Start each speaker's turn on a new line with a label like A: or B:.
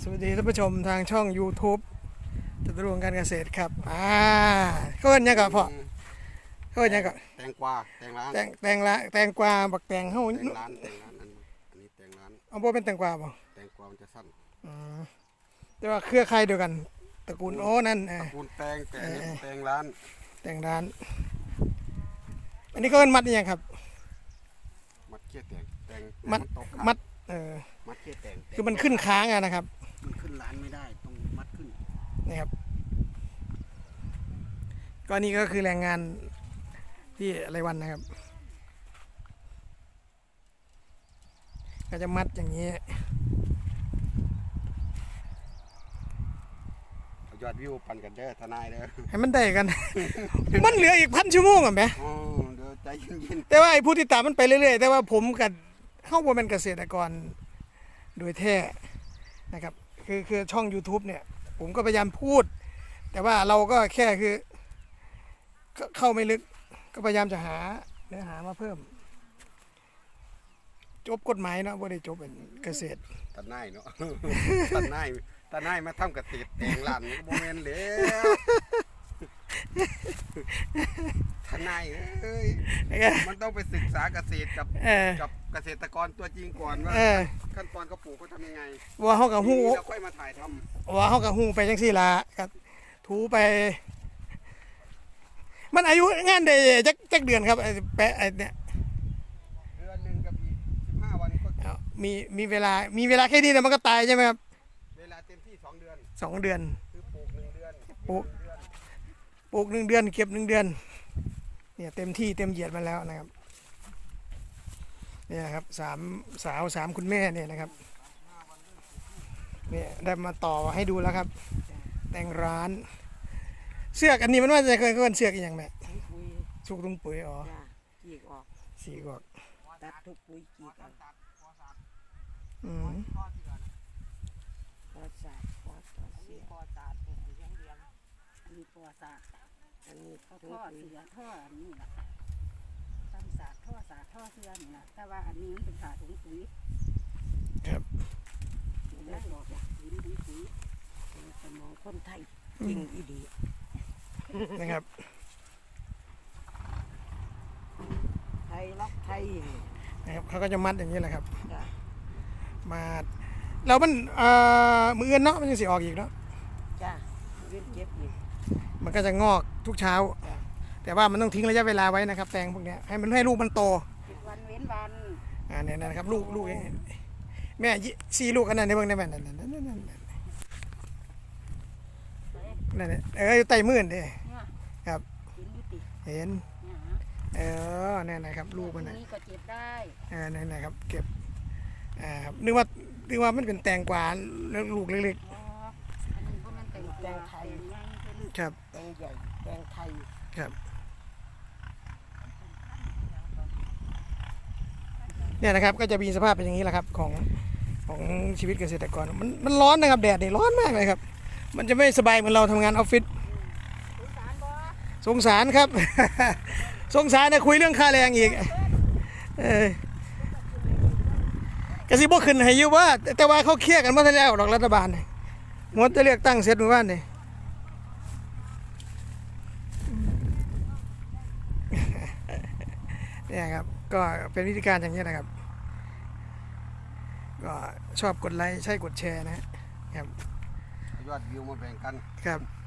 A: สวัสดีท่านผู้ชมทางช่อง YouTube จตุรงค์การเกษตรครับเขาเอิ้นหยังก็พ่อเขาเอิ้นหยังก็
B: แตงกวาแตงร้าน
A: แตงกวาบักแตงเฮา
B: แตงร้านอันนี้แตงร้าน
A: เอาบ่เป็นแตงกวาบ่
B: แตงกวามันจะสั้น
A: แต่ว่าเครือข่ายเดียวกันตระกูลโอ้นั่น
B: ตระกูลแตงแต่อันนี้แตงร้าน
A: แตงร้านอันนี้เขาเอิ้นมัดอีหยังครับ
B: มัดเขี้ยแตง
A: มัดมัด
B: เขี้ยแตง
A: คือมันขึ้นค้างนะครับ
B: มันขึ้นร้านไม่ได้ต้องมัดขึ้น
A: นี่ครับก็นี่ก็คือแรงงานที่รายวันนะครับก็จะมัดอย่างนี้
B: ยอดวิวปั่นกันเด้อทนายเด้อ
A: ให้มันได้กัน มันเหลืออีก1,000 ชั่วโมงอ่ะแม่
B: เดี๋ยวใจเย็น
A: แต่ว่าไอ้ผู้ที่ตามมันไปเรื่อยๆแต่ว่าผมกับเข้าบ่เป็นเกษตรกรโดยแท้นะครับคือช่อง YouTube เนี่ยผมก็พยายามพูดแต่ว่าเราก็แค่คือเข้าไม่ลึกก็พยายามจะหาเนื้อหามาเพิ่มจบกฎหมายเนาะบ่ได้จบเป็นเกษตร
B: ทนายเนาะทนายมาทำเกษตรแตงร้านนี่ก็บ่แม่นแล้วทนายเอ้ยมันต้องไปศึกษาเกษตรกับเกษตรกรตัวจริงก่อนว่าขั้นตอนเขาปลูกเขาทำยังไง
A: ว่าเขากับหู
B: แล้วค่อยมาถ่ายท
A: ำว่าเขากับหูไปจังซี่ล่ะก็ถูไปมันอายุงานได้จักเดือนครับแปะเนี่ย
B: เดือนนึงกับอีก15 วันก็
A: มีเวลาแค่นี้แต่มันก็ตายใช่ไหมครับ
B: เวลาเต็มที่2 เดือน
A: 2 เดือน
B: คือปลูก1 เดือน
A: ปลูก1 เดือนเก็บ1 เดือนเนี่ยเต็มที่เต็มเหยียดมาแล้วนะครับเนี่ยครับ3 คุณแม่เนี่ยนะครับเนี่ยได้มาต่อให้ดูแล้วครับแต่งร้านเสือกอันนี้มันว่าจะเคยเสือกอย่างแม่สุกตุ้งปุ๋ยอ๋อ
C: จีกออก
A: สีกออก
C: ตัดทุกปุ๋ยจีกออกปอสาดปอสาดเสียปอสาดปลูกเลี้ยงอันนี้ปอสาดอันนี้เขาท่อเสือท่อนี่แหละทำสาดท่อเสือนี่แหละแต่ว่าอันนี้มันเป็นสาดถุงปุ๋ย
A: ครับ
C: ได้บอกว่าปุ๋ยสมองคนไทยจริงอีดี
A: นะครับ
C: ไทยรักไทย
A: นะครับเขาก็จะมัดอย่างนี้แหละครับมาแล้วมันมือเอื้อนเนาะมันยังสิออกอีกเนาะ
C: จ้ะเก็บอีก
A: มันก็จะงอกทุกเช้าแต่ว่ามันต้องทิ้งระยะเวลาไว้นะครับแตงพวกนี้ให้ลูกมันโต
C: วันเว้นวัน
A: เนี่ยนะครับลูกแม่4 ลูกอันนั้นในเบื้องในแม่นั่นอยู่ใต้มือนี่ครับเห็นนี่นะครับลูกมัน
C: นี่ก็เก็บได้
A: นี่นะครับเก็บนึกว่ามันเป็นแตงกวาแล้วลูกเล็ก
C: ๆอันนี้พวกมันแตงไทย
A: ครับ
C: แตงใหญ่แตงไทย
A: ครับเนี่ยนะครับก็จะมีสภาพเป็นอย่างนี้แหละครับของชีวิตเกษตรกรมันร้อนนะครับแดดนี่ร้อนมากเลยครับมันจะไม่สบายเหมือนเราทำงานออฟฟิศสงสารครับ สงสารนะคุยเรื่องค่าแรงอีกกระซิบบ่ขึ้นให้อยู่ว่าแต่ว่าเขาเครียดกันเมื่อแล้วดอกรัฐบาลหมดจะเลือกตั้งเสร็จเมื่อวานนี่เนี่ยครับก็เป็นวิธีการอย่างนี้นะครับก็ชอบกดไลค์ใช่กดแชร์นะครับ
B: ยอดวิวมาแบ่งกัน
A: ครับ